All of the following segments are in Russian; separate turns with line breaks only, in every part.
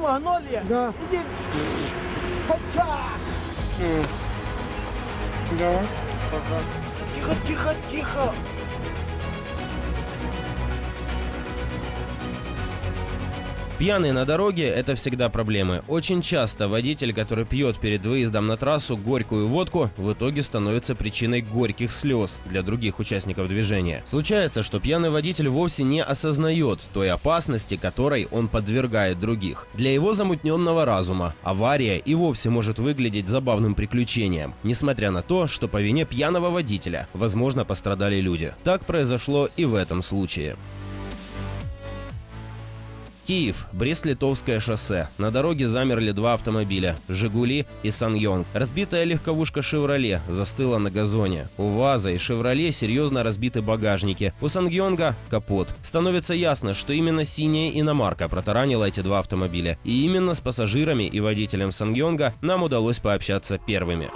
Магнолия?
Да.
Иди. Хотя.
Да. Пока.
Тихо, тихо, тихо.
Пьяный на дороге – это всегда проблемы. Очень часто водитель, который пьет перед выездом на трассу горькую водку, в итоге становится причиной горьких слез для других участников движения. Случается, что пьяный водитель вовсе не осознает той опасности, которой он подвергает других. Для его замутненного разума авария и вовсе может выглядеть забавным приключением, несмотря на то, что по вине пьяного водителя, возможно, пострадали люди. Так произошло и в этом случае. Киев, Брест-Литовское шоссе. На дороге замерли два автомобиля – «Жигули» и «Саньонг». Разбитая легковушка «Шевроле» застыла на газоне. У «ВАЗа» и «Шевроле» серьезно разбиты багажники. У «Саньонга» – капот. Становится ясно, что именно синяя иномарка протаранила эти два автомобиля. И именно с пассажирами и водителем «Саньонга» нам удалось пообщаться первыми.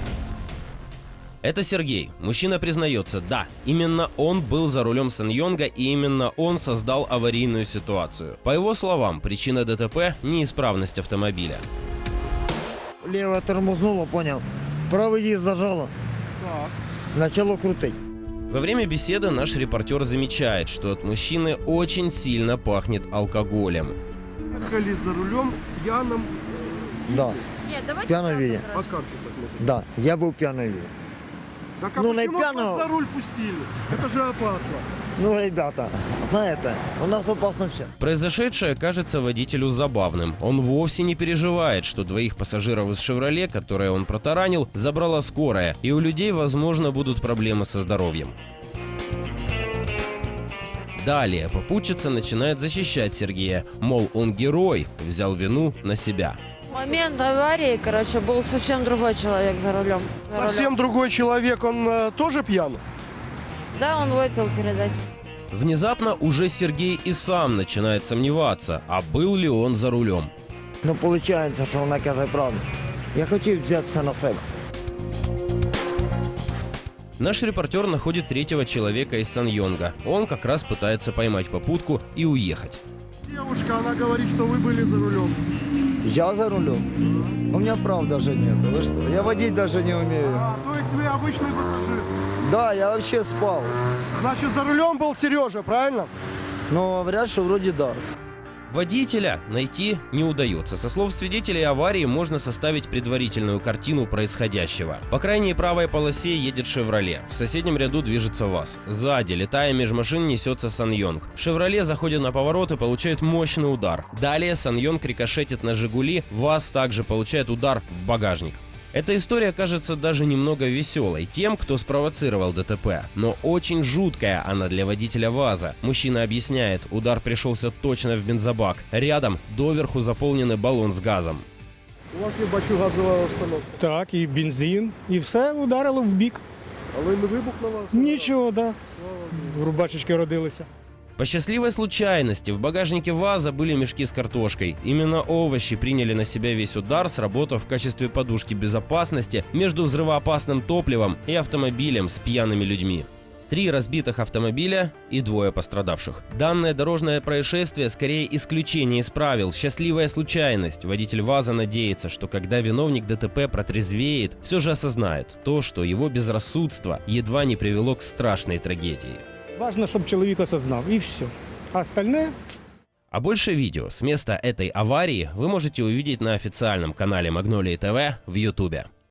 Это Сергей. Мужчина признается, да, именно он был за рулем «Саньонга» и именно он создал аварийную ситуацию. По его словам, причина ДТП – неисправность автомобиля.
Лево тормознуло, понял. Правый диск зажало.
Так.
Начало крутить.
Во время беседы наш репортер замечает, что от мужчины очень сильно пахнет алкоголем.
Ехали за рулем пьяным.
Да.
Нет, давайте
Пьяном виде.
А как же так можно?
Да, я был пьяный вид.
Так а
Ну, на
почему
пьяного-
вас за руль пустили? Это же опасно.
Ну, ребята, знаете, у нас опасно все.
Произошедшее кажется водителю забавным. Он вовсе не переживает, что двоих пассажиров из «Шевроле», которые он протаранил, забрала скорая, и у людей, возможно, будут проблемы со здоровьем. Далее попутчица начинает защищать Сергея, мол, он герой, взял вину на себя.
В момент аварии, был совсем другой человек за рулем.
Совсем другой человек, он тоже пьян?
Да, он выпил перед этим.
Внезапно уже Сергей и сам начинает сомневаться, а был ли он за рулем.
Ну, получается, що вона каже правду. Я хотів взятися на себе.
Наш репортер находит третьего человека из «Саньонга». Он как раз пытается поймать попутку и уехать.
Девушка, она говорит, что вы были за рулем.
Я за рулем? У меня прав даже нет. Вы что? Я водить даже не умею.
То есть вы обычный пассажир.
Да, я вообще спал.
Значит, за рулем был Сережа, правильно?
Но говорят, что вроде да.
Водителя найти не удается. Со слов свидетелей аварии можно составить предварительную картину происходящего. По крайней правой полосе едет «Шевроле». В соседнем ряду движется ВАЗ. Сзади, летая меж машин, несется «Саньонг». «Шевроле» заходит на поворот и получает мощный удар. Далее «Саньонг» рикошетит на «Жигули». ВАЗ также получает удар в багажник. Эта история кажется даже немного веселой тем, кто спровоцировал ДТП, но очень жуткая она для водителя ВАЗа. Мужчина объясняет, удар пришелся точно в бензобак. Рядом доверху заполненный баллон с газом.
У вас є бачу газова установка.
Так, і бензин, і все ударило в бік.
Але не вибухнула?
Нічого, да. Рубашечки родилися.
По счастливой случайности в багажнике ВАЗа были мешки с картошкой. Именно овощи приняли на себя весь удар, сработав в качестве подушки безопасности между взрывоопасным топливом и автомобилем с пьяными людьми. 3 разбитых автомобиля и 2 пострадавших. Данное дорожное происшествие скорее исключение из правил, счастливая случайность. Водитель ВАЗа надеется, что когда виновник ДТП протрезвеет, все же осознает то, что его безрассудство едва не привело к страшной трагедии.
Важно, щоб чоловік осознав, і все. А остальне...
А больше видео с места этой аварии вы можете увидеть на официальном канале Магнолии ТВ в YouTube.